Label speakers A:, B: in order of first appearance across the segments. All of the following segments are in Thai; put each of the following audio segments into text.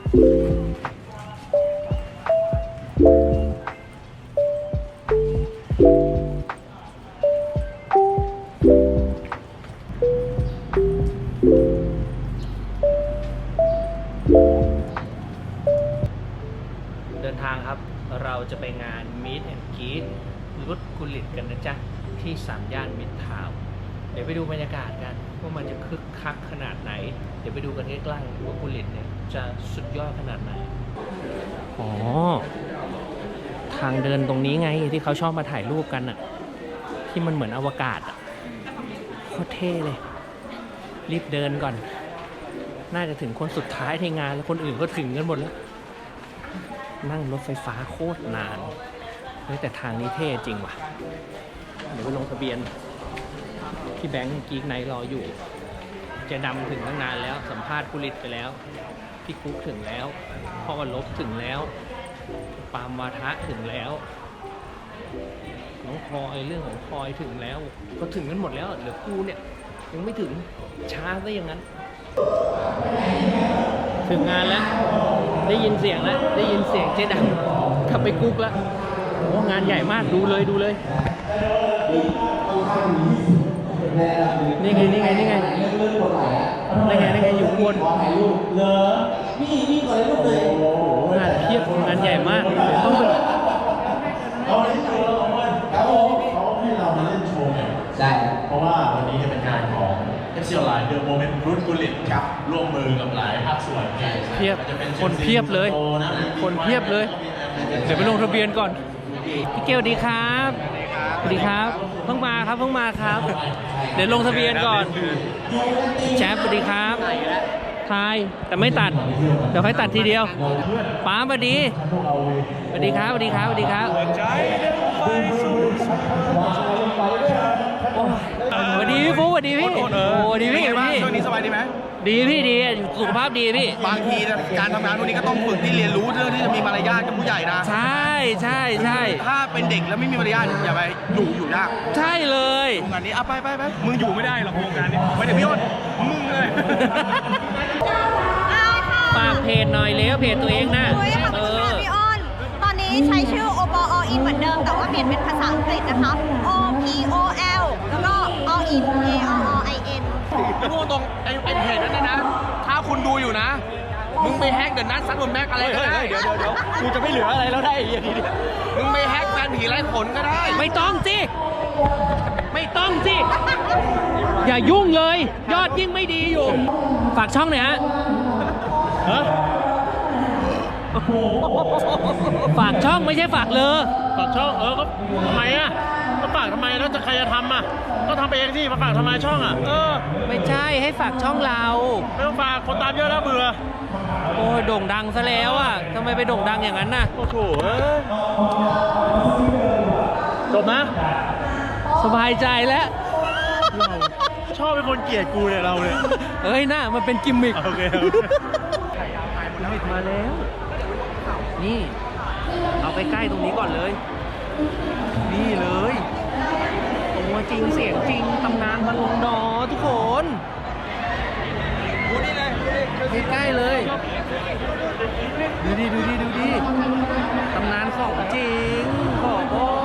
A: เดินทางครับเราจะไปงาน Meet and Greet รุดกุลิตกันนะจ๊ะที่3 ย่านมิตรทาวน์เดี๋ยวไปดูบรรยากาศกันว่ามันจะคึกคักขนาดไหนเดี๋ยวไปดูกันใกล้ๆว่ากุลิตเนี่ยจะสุดยอดขนาดไหนอ๋อทางเดินตรงนี้ไงที่เขาชอบมาถ่ายรูปกันอะที่มันเหมือนอวกาศอะโคตรเท่เลยรีบเดินก่อนน่าจะถึงคนสุดท้ายในงานแล้วคนอื่นก็ถึงกันหมดแล้วนั่งรถไฟฟ้าโคตรนานเฮ้ยแต่ทางนี้เท่จริงว่ะเดี๋ยวไปลงทะเบียนพี่แบงค์กิ๊กไนท์รออยู่เจดำถึงตั้งนานแล้วสัมภาษณ์กุลิตไปแล้วพี่กุ๊กถึงแล้วพ่อวันลบถึงแล้วปามวาทะถึงแล้วน้องพลอยเรื่องของพลอยถึงแล้วก็ถึงกันหมดแล้วเหลือกูเนี่ยยังไม่ถึงช้าซะอย่างนั้นถึงงานแล้วได้ยินเสียงแล้วได้ยินเสียงเจ๊ดำขับไปกุ๊กแล้วโอ้งานใหญ่มากดูเลยนี่ไงอยู่บนงานเพียบงานใหญ่มากต้องเป็น
B: เขาให้เรามาเล่นโชว์เนี่ยใช่เพราะว่าวันนี้จะเป็นงานของFC Online The Moment รุ่นกุลิตครับร่วมมือกับหลายภาคส่วน
A: เพียบคนเพียบเลยคนเพียบเลยเดี๋ยวไปลงทะเบียนก่อนพี่เกลดีครับสวัสดีครับเพิ่งมาครับเดี๋ยวลงทะเบียนก่อนแชฟสวัสดีครับทายแต่ไม่ตัดเดี๋ยวค่อยตัดทีเดียวป้าสวัสดีครับสวัสดีครับสวัสดีพี่ฟุ๊กสวัสดีพี่โอ้ดีพี่
C: ช่วงนี้สบายดีไหม
A: ดีพี่ดีสุขภาพดีพี่
C: บางทีการทำงานพวกนี้ก็ต้องฝึกที่เรียนรู้เรื่องที่จะมีมารยาทกับผู้ใหญ่นะ
A: ใช่
C: ถ้าเป็นเด็กแล้วไม่มีมารยาทอย่าไปอยู่ยาก
A: ใช่เลย
C: งานนี้ไปมึงอยู่ไม่ได้หรอกโครงการนี้ไม่ได้พี่อ้นมึงเลย
A: ฝากเพจหน่อยแล้วเพจตัวเองนะ
D: พี่อ้นตอนนี้ใช้ชื่อ OPO All In เหมือนเดิมแต่ว่าเปลี่ยนเป็นภาษาอังกฤษนะคะ OPOL แล้วก็ All In ALLIN
C: พูดตรงไอ้เพจนั้นนะถ้าคุณดูอยู่นะมึงไปแฮกเดอะนัทซัดบนแม็กอะไรก็ได้
A: เดี๋ยวกูจะไม่เหลืออะไรแล้วได้อย่างนี้
C: มึงไปแฮกแฟนผีไร้ผลก็ได้
A: ไม่ต้องสิอย่ายุ่งเลยยอดยิ่งไม่ดีอยู่ฝากช่องหน่อยฮะฝากช่องไม่ใช่ฝากเลย
E: ฝากช่องก็ทำไมก็ฝากทำไมแล้วจะใครจะทำก็ทำเองสิมาฝากทำไมช่อง
A: ไม่ใช่ให้ฝากช่องเรา
E: ไม่ต้องฝากคนตามเยอะแล้วเบื่อ
A: โอ้ยโด่งดังซะแล้วทำไมไปโด่งดังอย่างนั้นน่ะ
E: โอ้โหจบนะ
A: สบายใจแล้ว
E: ชอบเป็นคนเกลียดกูเนี่ยเราเนี่ย
A: เอ้ยน่ามันเป็นกิมมิค
E: โอเค
A: มาแล้วนี่เอาใกล้ๆตรงนี้ก่อนเลยนี่เลยตัวจริงเสียงจริงตำนานบอลลงดอทุกคน
C: ดูนี่เลย
A: ใกล้ๆเลยดูดิตำนานของจริงของ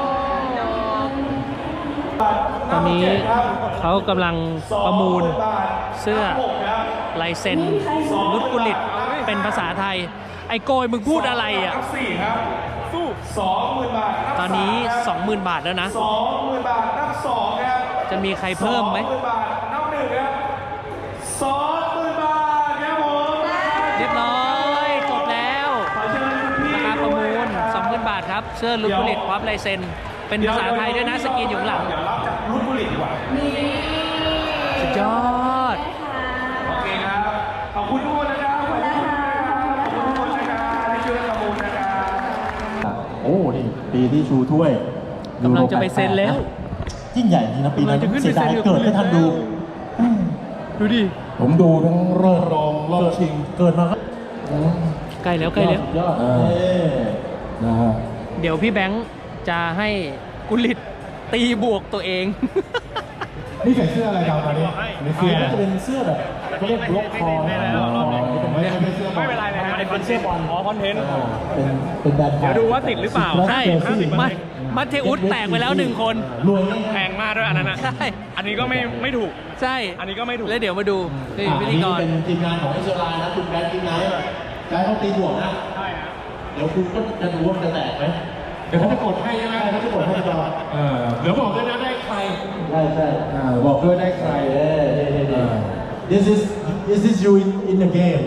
A: ตอนนี้เขากำลังประมูลเสื้อลายเซ็นรุดกุลิตเป็นภาษาไทยไอ้โกยมึงพูดอะไร
B: สู้ 20,000 บาท
A: ตอนนี้ 20,000 บาทแล้วนะ
B: 20,000 บาทนับ2ครับ
A: จะมีใครเพิ่มไหม
B: 20,000 บาทนับ1ครับ 20,000 บาทครับผม
A: เรียบร้อยจบแล้วราคาประมูล 20,000 บาทครับเสื้อรุดกุลิตพร้อมลายเซ็นเป็นภาษาไทยด้วยนะสกรีนอยู่หลัง
B: เดี๋ยวรับจากรุดกุลิตดีกว่า
A: สุดยอด
B: โอเคครับขอบคุณทุกคนนะครับขอบคุณทุกคนนะครับที่ช่วยประมูลนะครับโอ้นี่ปีที่ชูถ้วย
A: กำลังจะไปเซ็นแล้ว
B: ยิ่งใหญ่จริงนะปีนั้นเสียดายเกิดไม่ทันดู
A: ดิ
B: ผมดูทั้งรอบรองรอบชิงเกิดมาครับ
A: ใกล้แล้ว
B: ยอดนะฮะ
A: เดี๋ยวพี่แบงค์จะให้กุลิตตีบวกตัวเอง
B: นี่ใส่เสื้ออะไรครับตอนนี้เสื้อจะเป็นเสื้อแบบเขาเรียกบล็อกคอไม่เป็นไรเลยไม่เป็นไรเป็นเสื้อบอล
C: อ๋อคอนเทนต์
B: เป็นแบรนด์
C: เดี๋ยวดูว่าติดหรือเปล่า
A: ใช่มัทเทอุสแตกไปแล้ว1 คน
B: รวย
C: แพงมากด้วยอันนั้นอ่ะ
A: ใช่
C: อันนี้ก็ไม่ถูก
A: ใช่
C: อันนี้ก็ไม่ถูก
A: แล้วเดี๋ยวมาดูนี่พิธีกร
B: เป็นทีมงานของเอสโซไลน์นะคุณแบงค์กินไนท์ไกด์เขาตีบวกนะ
C: ใช่ฮะ
B: เดี๋ยวคุณก็จะรู้ว่ามันจะแตกไหม
C: เดี๋ยวเขาจะกดให้ใช่ไหม
B: เขาจะกดให้เรา
C: เดี๋ยวบอกด้วยนะได้ใคร
B: ใช่บอกด้วยได้ใครThis is you in the game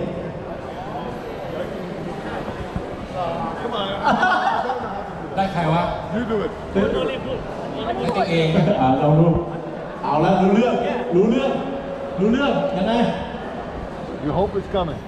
C: ได้ใครวะ
B: ให้ตัวเองเรารู้เอาแล้วรู้เรื่องยังไง
E: You hope it's coming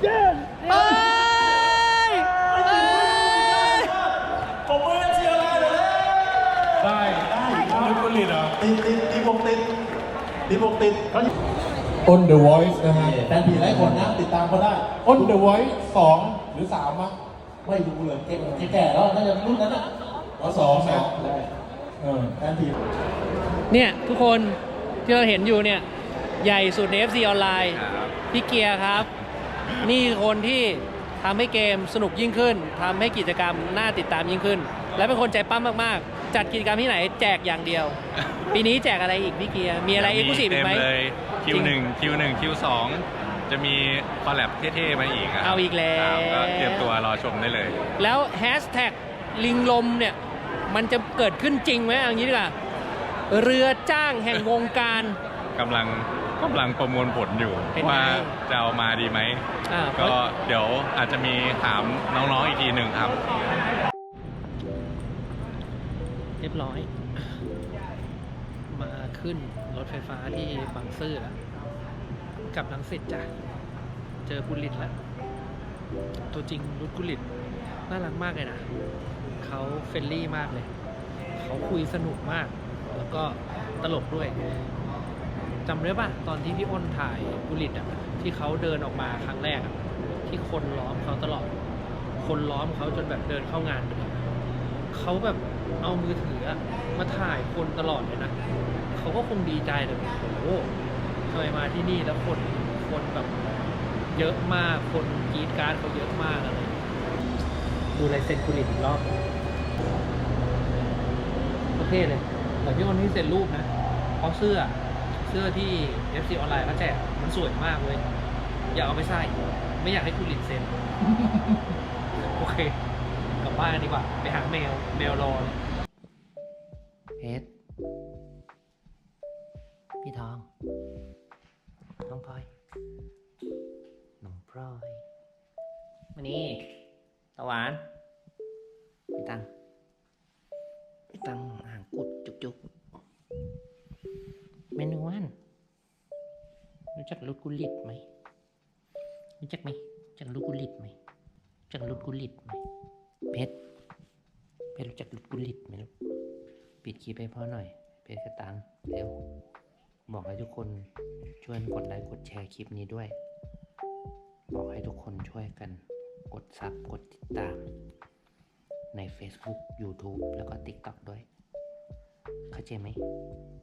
B: ผมไม่ได้เชียร์อะไรเลยได้ลูกผลิตเหรอตีบวกติดOn the Voice นะฮะแฟนผีหลายคนนะติดตามเขาได้ On the Voice 2 หรือ 3 วะไม่ดูเลยแก่แล้วน่าจะรุ่นนั้นอ่ะ2นะแฟนผี
A: เนี่ยทุกคนที่เราเห็นอยู่เนี่ยใหญ่สุดใน FC ออนไลน์พี่เกียร์ครับ นี่คนที่ทำให้เกมสนุกยิ่งขึ้นทำให้กิจกรรมน่าติดตามยิ่งขึ้น และเป็นคนใจปั้มมากๆ จัดกิจกรรมที่ไหนแจกอย่างเดียว ปีนี้แจกอะไรอีกพี่เกียร์มีอะไรเอ็กซ์คลูซีฟอีกไหม
F: เต็มเลย Q1 Q2 จะมีคอลแลบเท่ๆมาอีกะครับ
A: เอาอีกแล้ว
F: ครับก็เตรียมตัวรอชมได้เลย
A: แล้วแฮชแท็กลิงลมเนี่ยมันจะเกิดขึ้นจริงไหมเอางี้ดีกว่าเรือจ้างแห่งวงการ
F: กำลังประมวลผลอยู่
A: เป็นไง
F: ว่าจะเอามาดีไหม ก็เดี๋ยวอาจจะมีถามน้องๆอีกทีหนึ่งครับ
A: เรียบร้อย มาขึ้นรถไฟฟ้าที่บางซื่อแล้วกลับรังสิตจ้ะเจอกุลิตแล้วตัวจริงรุดกุลิตน่ารักมากเลยนะเขาเฟรนลี่มากเลยเขาคุยสนุกมากแล้วก็ตลกด้วยจำได้ป่ะตอนที่พี่อ้นถ่ายกุลิตอ่ะที่เขาเดินออกมาครั้งแรกอ่ะที่คนล้อมเขาตลอดคนล้อมเขาจนแบบเดินเข้างานเลยเขาแบบเอามือถือมาถ่ายคนตลอดเลยนะเขาก็คงดีใจเลยโอ้โหทำไมมาที่นี่แล้วคนแบบเยอะมากคนกรีดการ์ดเขาเยอะมากอะไรดูลายเซ็นกุลิตอีกรอบโอเคเลยแต่พี่อ้นที่เซ็นรูปนะเพราะเสื้อที่ FC ออนไลน์เขาแจกมันสวยมากเลยอยากเอาไปใส่ไม่อยากให้กุลิตเซ็น โอเคกลับบ้านดีกว่าไปหาแมวรอเลยเพชรพี่ทองน้องพลอยน้องพลอยมานี่ตะหวานพี่ตังห่างกุดจุกเมนูวันรู้จักรุดกุลิตไหมรู้จักไหมจักรุดกุลิตไหมจักรุดกุลิตไหมเพชรรู้จักรุดกุลิตไหมลูกปิดคลิปให้พ่อหน่อยเพชรกระตังเร็วบอกให้ทุกคนช่วยกดไลค์กดแชร์คลิปนี้ด้วยบอกให้ทุกคนช่วยกันกดซับกดติดตามใน Facebook YouTube แล้วก็ TikTok ด้วยเข้าใจไหม